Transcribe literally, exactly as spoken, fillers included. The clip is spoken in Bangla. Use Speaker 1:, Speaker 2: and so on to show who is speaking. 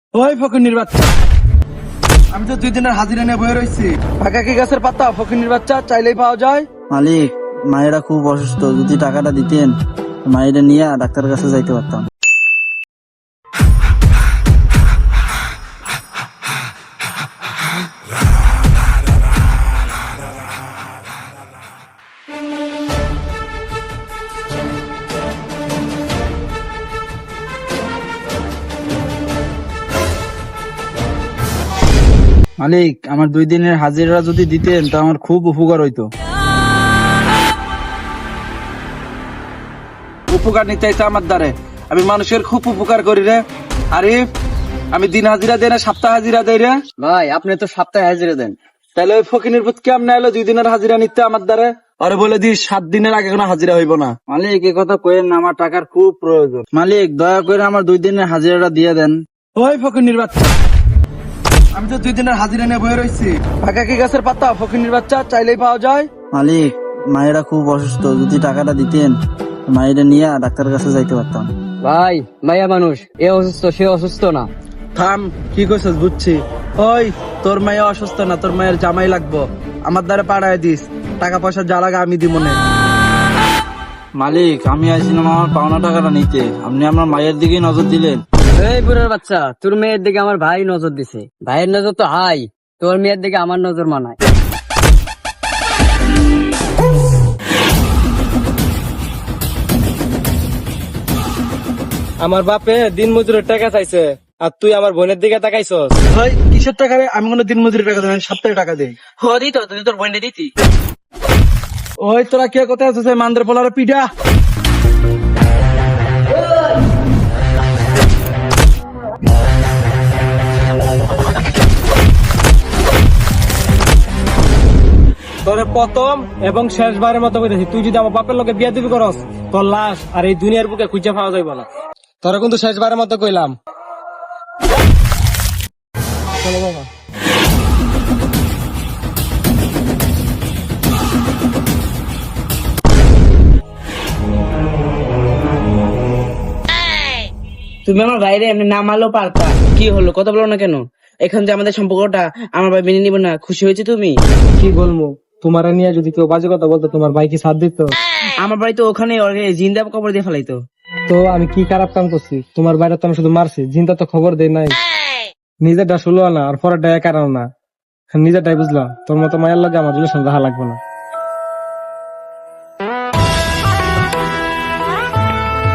Speaker 1: ওই ফকিন্নির বাচ্চা, আমি তো দুই দিনের হাজিরা নিয়ে বয়ে রয়েছি। ফাঁকা কি গাছের পাতা? ফকিন্নির বাচ্চা চাইলেই পাওয়া যায়।
Speaker 2: মালিক, মায়েরা খুব অসুস্থ, যদি টাকাটা দিতেন মায়েরা নিয়ে ডাক্তারের কাছে যাইতে পারতাম। মালিক, আমার দুই দিনের হাজিরা যদি দিতেন তা আমার খুব উপকার হইতো।
Speaker 1: উপকার নিতে চাইছে আমার দ্বারে, আমি মানুষের খুব উপকার করি রে। আরিফ, আমি দিন হাজিরা দেয় না সপ্তাহ হাজিরা দেয় রে।
Speaker 2: ভাই, আপনি তো সপ্তাহে হাজিরা দেন।
Speaker 1: তাহলে ওই ফকিনের পুত কেমন এলো দুই দিনের হাজিরা নিতে আমার দ্বারে? আরে বলে দিস সাত দিনের আগে কোনো হাজিরা হইব না।
Speaker 2: মালিক, এ কথা কইেন না, আমার টাকার খুব প্রয়োজন। মালিক, দয়া করে আমার দুই দিনের হাজিরাটা দিয়ে দেন।
Speaker 1: ওই ফকিনের বাচ্চা, আমি তো দুই দিনের হাজিরা নিয়ে বয়ে রয়েছি। ফাঁকা কি গাছের পাতা? ফকিনের বাচ্চা চাইলেই পাওয়া যায়।
Speaker 2: মালিক, মায়েরা খুব অসুস্থ, যদি টাকাটা দিতেন মায়েরা নিয়ে ডাক্তারের কাছে যাইতে পারতাম।
Speaker 3: ভাই, মাইয়া মানুষ, এ অসুস্থ সে অসুস্থ না।
Speaker 1: থাম, কি কইছস বুঝছি। ওই, তোর মায়ের অসুস্থ না, তোর মায়ের জামাই লাগবো, আমার দ্বারা পাঠায় দিস। টাকা পয়সা যা লাগে আমি দিব না।
Speaker 2: মালিক, আমি আইছিলাম আমার পাওনা টাকাটা নিতে, আপনি আমার মায়ের দিকে নজর দিলেন।
Speaker 3: এই বুড়ার বাচ্চা, তোর মেয়ের দিকে আমার ভাই নজর দিছে। ভাইয়ের নজর তো হাই, তোর মেয়ের দিকে আমার নজর মানায়।
Speaker 4: আমার বাপে দিন মজুরের টাকা চাইছে, আর তুই আমার বোনের দিকে তাকাইছস।
Speaker 1: ভাই, কিসের টাকা রে? আমি কোনো দিন মজুরি টাকা দেই না, সপ্তাহে টাকা দেই।
Speaker 3: হ দিত, তুই তোর বোনটা দিতি।
Speaker 1: ওই, তোরা কে কোথায় আছিস? মান্দ্র পোলারে পিডা।
Speaker 4: তোরে প্রথম এবং শেষবারের মতো কইতেছি, তুই যদি আমার বাপের লোকে বিয়া দিবি করস, তোর লাশ আর এই দুনিয়ার বুকে খুঁজে পাওয়া যাইব না। তোরা কিন্তু শেষবারের মতো কইলাম। চলো বাবা।
Speaker 3: তুমি আমার ভাইরে এমনি না মারলেও পারতা। কি হলো, কথা বলো না কেন? এখন যে আমাদের সম্পর্কটা আমার ভাই মেনে নিবে না, খুশি হয়েছে তুমি?
Speaker 4: কি বলবো, তোমার নিয়ে যদি কেউ বাজে কথা বলতো, তোমার ভাই কি সাথ দিত?
Speaker 3: আমার বাড়ি তো ওখানে জিন্দা কবর দিয়ে ফেলাইতো।
Speaker 4: তো আমি কি খারাপ কাম করছি? তোমার বাইরে তো আমি শুধু মারছি, জিনটা তো খবর দেয় নাই। নিজেরটা শুলো না আর পরেরটা কারণ না, নিজেরটাই বুঝলাম। তোর মতো মায়ের লাগে আমার রিলেশন রাখা লাগবে না।